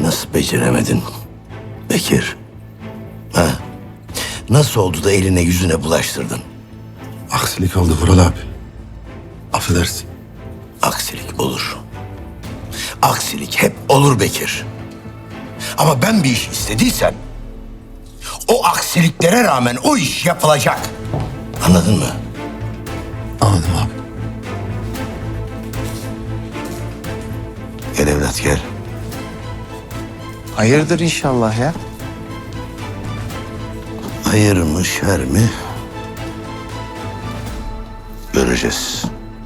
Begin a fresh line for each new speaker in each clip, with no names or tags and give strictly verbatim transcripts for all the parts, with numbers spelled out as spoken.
Nasıl beceremedin Bekir? Ha? Nasıl oldu da eline yüzüne bulaştırdın?
Aksilik oldu Vural abi. Affedersin.
Aksilik olur. Aksilik hep olur Bekir. Ama ben bir iş istediysem o aksiliklere rağmen o iş yapılacak. Anladın mı?
Anladım abi.
Gel evlat gel.
Hayırdır inşallah ya.
Hayır mı şer mi? Göreceğiz.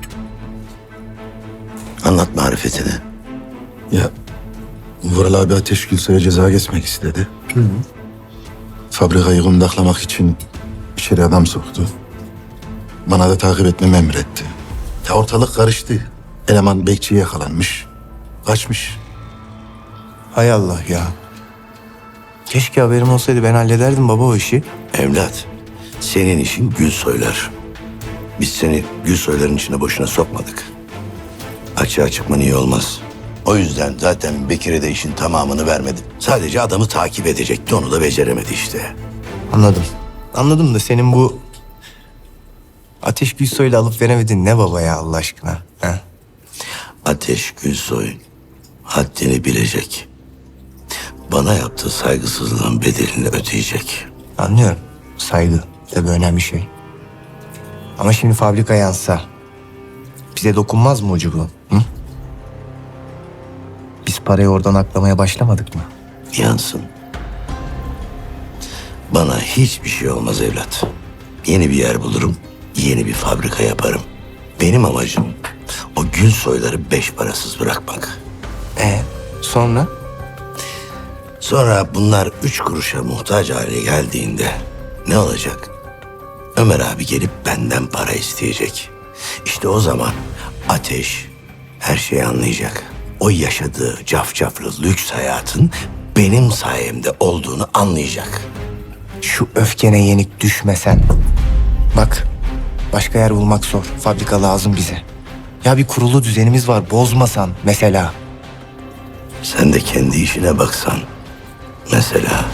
Anlat marifetini.
Ya Vural abi Ateş Gülsoy'a ceza kesmek istedi. Hı hı. Fabrikayı kundaklamak için içeri adam soktu. Bana da takip etmemi emretti. Ya ortalık karıştı. Eleman bekçiye yakalanmış. Kaçmış.
Hay Allah ya. Keşke haberim olsaydı, ben hallederdim baba o işi.
Evlat, senin işin Gülsoylar. Biz seni Gülsoyların içine boşuna sokmadık. Açığa çıkman iyi olmaz. O yüzden zaten Bekir'e de işin tamamını vermedi. Sadece adamı takip edecekti, onu da beceremedi işte.
Anladım. Anladım da senin bu Ateş Gülsoy'la alıp veremedin ne baba ya Allah aşkına? Ha?
Ateş Gülsoy haddini bilecek. Bana yaptığı saygısızlığın bedelini ödeyecek.
Anlıyorum. Saygı tabii önemli şey. Ama şimdi fabrika yansa bize dokunmaz mı ucu bu? Hı? Biz parayı oradan aklamaya başlamadık mı?
Yansın. Bana hiçbir şey olmaz evlat. Yeni bir yer bulurum, yeni bir fabrika yaparım. Benim amacım o Gülsoyları beş parasız bırakmak.
E sonra?
Sonra bunlar üç kuruşa muhtaç hale geldiğinde ne olacak? Ömer abi gelip benden para isteyecek. İşte o zaman Ateş her şeyi anlayacak. O yaşadığı cafcaflı lüks hayatın benim sayemde olduğunu anlayacak.
Şu öfkene yenik düşmesen. Bak, başka yer bulmak zor. Fabrika lazım bize. Ya bir kurulu düzenimiz var, bozmasan mesela.
Sen de kendi işine baksan. Mesela.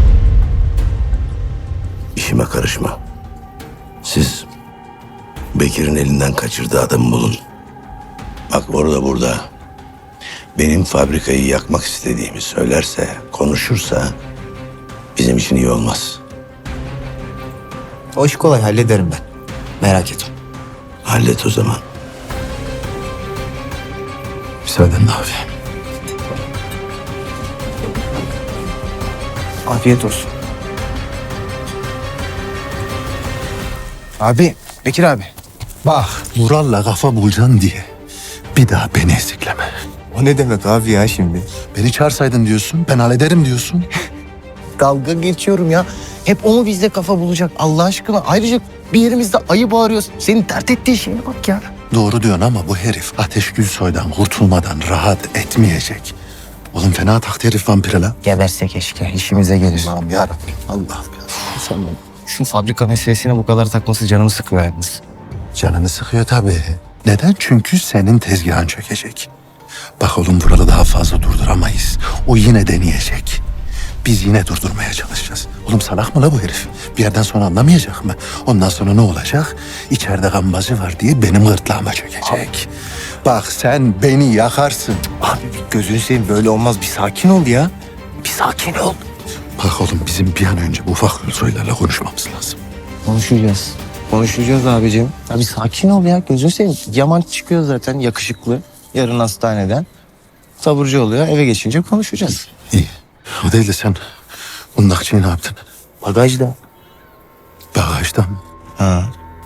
İşime karışma. Siz Bekir'in elinden kaçırdığı adamı bulun. Bak orada burada benim fabrikayı yakmak istediğimi söylerse, konuşursa bizim için iyi olmaz.
O iş kolay, hallederim ben. Merak etme.
Hallet o zaman.
Müsaadenle abi.
Afiyet olsun. Abi, Bekir abi.
Bak Vural'la kafa bulacaksın diye bir daha beni ezikleme.
O ne demek abi ya şimdi?
Beni çağırsaydın diyorsun, ben hallederim diyorsun.
Dalga geçiyorum ya. Hep o mu bizde kafa bulacak Allah aşkına? Ayrıca bir yerimizde ayı bağırıyoruz. Senin dert ettiğin şeye bak ya.
Doğru diyorsun ama bu herif Ateş Gülsoy'dan kurtulmadan rahat etmeyecek. Oğlum fena taktı herif vampire la.
Geberse keşke, işimize gelir.
Allah'ım yarabbim, Allah'ım ya. Sen bana
Şu fabrika meselesine bu kadar takması canımı sıkıyor yalnız.
canını sıkıyor tabii. Neden? Çünkü senin tezgahın çökecek. Bak oğlum Vural'ı daha fazla durduramayız. O yine deneyecek. Biz yine durdurmaya çalışacağız. Oğlum salak mı la bu herif? Bir yerden sonra anlamayacak mı? Ondan sonra ne olacak? İçeride gambazı var diye benim gırtlağıma çökecek. Bak sen beni yakarsın.
Abi bir gözünü seveyim, böyle olmaz. Bir sakin ol ya. Bir sakin ol.
Bak oğlum bizim bir an önce bu ufak Gülsoy'larla konuşmamız lazım.
Konuşacağız. Konuşacağız abicim. Abi sakin ol ya, gözünü seveyim. Yaman çıkıyor zaten yakışıklı. Yarın hastaneden. Taburcu oluyor, eve geçince konuşacağız.
İyi. O değil de sen bundakçıyı ne yaptın?
Bagajda.
Bagajda mı?
Ha.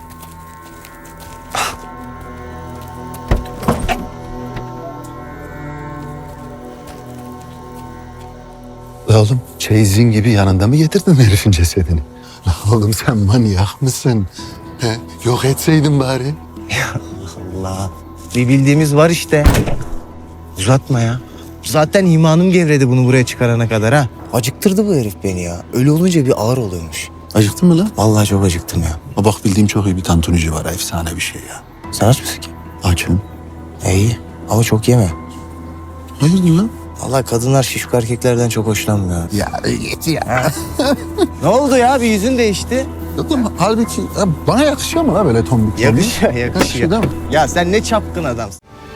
La oğlum çeyizin gibi yanında mı getirdin herifin cesedini? La oğlum sen manyak mısın? He, yok etseydin bari.
Allah. Bir bildiğimiz var işte. Uzatma ya. Zaten imanım gevredi bunu buraya çıkarana kadar ha. Acıktırdı bu herif beni ya. Öyle olunca bir ağır oluyormuş.
Acıktın mı lan?
Vallahi çok acıktım ya.
Ha bak bildiğim çok iyi bir tantunici var. Efsane bir şey ya.
Sen aç mısın ki?
Açım.
E, iyi ama çok yeme.
Hayırdır lan?
Vallahi kadınlar şişko erkeklerden çok hoşlanmıyor.
Ya git ya.
Ne oldu ya? Bir yüzün değişti.
Oğlum halbuki ya bana yakışıyor mu la böyle tombik tombik?
Yakışıyor, yakışıyor.
Yakışıyor değil mi?
Ya sen ne çapkın adamsın.